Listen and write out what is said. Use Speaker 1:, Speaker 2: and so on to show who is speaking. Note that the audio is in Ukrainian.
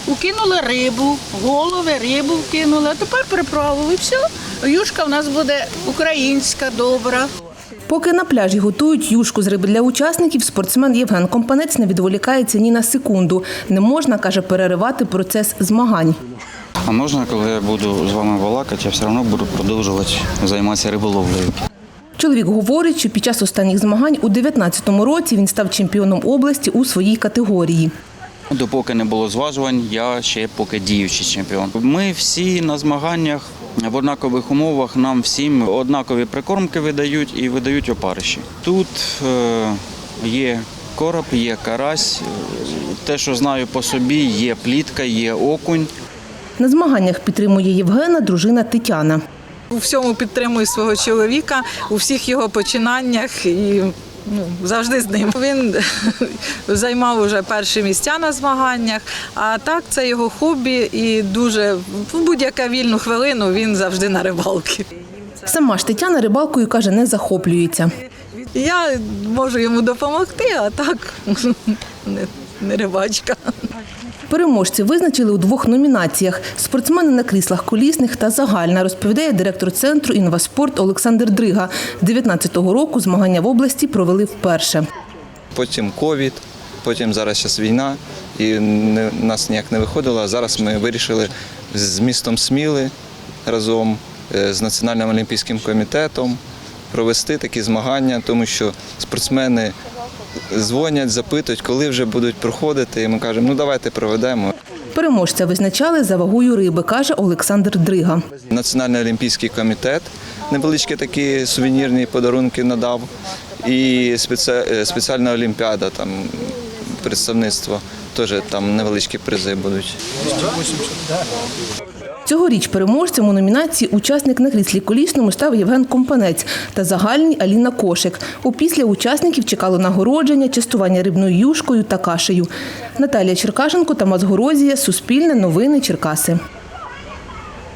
Speaker 1: укинули рибу, голови, рибу вкинули, а тепер приправили. Все, юшка в нас буде українська, добра.
Speaker 2: Поки на пляжі готують юшку з риби для учасників, спортсмен Євген Компанець не відволікається ні на секунду. Не можна, каже, переривати процес змагань.
Speaker 3: А можна, коли я буду з вами балакати, я все одно буду продовжувати займатися риболовлею.
Speaker 2: Чоловік говорить, що під час останніх змагань у 2019 році він став чемпіоном області у своїй категорії.
Speaker 3: Допоки не було зважувань, я ще поки діючий чемпіон. Ми всі на змаганнях в однакових умовах, нам всім однакові прикормки видають і видають опариші. Тут є короб, є карась, те, що знаю по собі, є плітка, є окунь.
Speaker 2: На змаганнях підтримує Євгена дружина Тетяна.
Speaker 4: У всьому підтримую свого чоловіка, у всіх його починаннях і завжди з ним. Він займав уже перші місця на змаганнях, а так це його хобі і дуже в будь-яку вільну хвилину він завжди на рибалці.
Speaker 2: Сама ж Тетяна рибалкою, каже, не захоплюється.
Speaker 4: Я можу йому допомогти, а так не рибачка.
Speaker 2: Переможці визначили у 2 номінаціях – спортсмени на кріслах колісних та загальна, розповідає директор центру «Інваспорт» Олександр Дрига. 2019 року змагання в області провели вперше.
Speaker 5: Потім ковід, потім зараз війна, і нас ніяк не виходило. А зараз ми вирішили з містом Сміли разом з Національним олімпійським комітетом провести такі змагання, тому що спортсмени дзвонять, запитують, коли вже будуть проходити, і ми кажемо, ну давайте проведемо.
Speaker 2: Переможця визначали за вагою риби, каже Олександр Дрига.
Speaker 5: Національний олімпійський комітет невеличкі такі сувенірні подарунки надав, і спеціальна олімпіада, там представництво, теж там невеличкі призи будуть.
Speaker 2: Цьогоріч переможцем у номінації «Учасник на кріслі колісному» став Євген Компанець та загальній Аліна Кошик. Опісля учасників чекало нагородження, частування рибною юшкою та кашею. Наталія Черкашенко, Тамас Горозія, Суспільне, Новини, Черкаси.